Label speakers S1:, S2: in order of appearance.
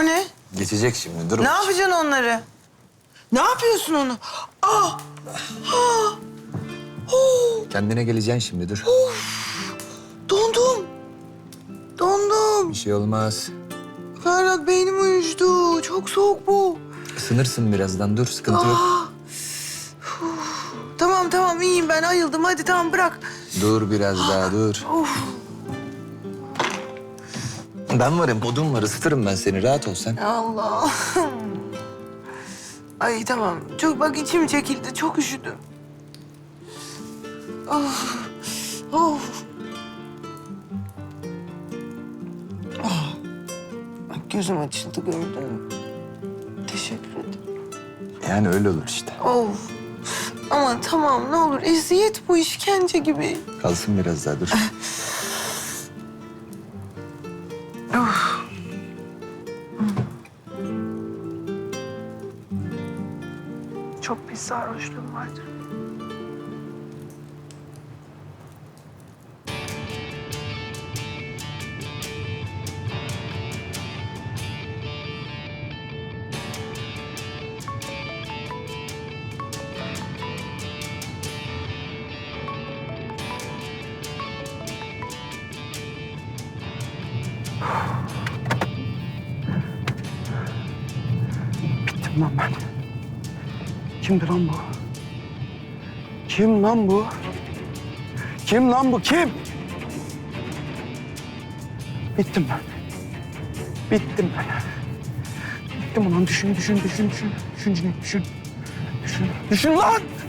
S1: O ne?
S2: Geçecek şimdi, dur.
S1: Ne yapacaksın onları? Ne yapıyorsun onu? Ah! Ah! Oh!
S2: Kendine geleceksin şimdi, dur.
S1: Dondum. Dondum.
S2: Bir şey olmaz.
S1: Ferhat beynim uyuştu. Çok soğuk bu.
S2: Isınırsın birazdan, dur. Sıkıntı yok.
S1: Ah! Uf. Tamam tamam iyiyim ben ayıldım. Hadi tamam bırak.
S2: Dur biraz daha, dur.
S1: Of.
S2: Ben varım, odun var. Isıtırım ben seni. Rahat ol sen.
S1: Allah. Ay tamam. Çok bak içim çekildi. Çok üşüdüm. Of. Of. Ah. Bak gözüm açıldı gördün mü? Teşekkür ederim.
S2: Yani öyle olur işte.
S1: Of. Ama tamam ne olur eziyet bu işkence gibi.
S2: Kalsın biraz daha, dur.
S1: Of. Çok pis sarhoşluğum vardır.
S3: Bittim lan ben. Kimdi lan bu? Kim lan bu? Kim lan bu? Kim? Bittim ben. Bittim ben. Bittim ulan. Düşün Cüneyt, düşün. Düşün lan!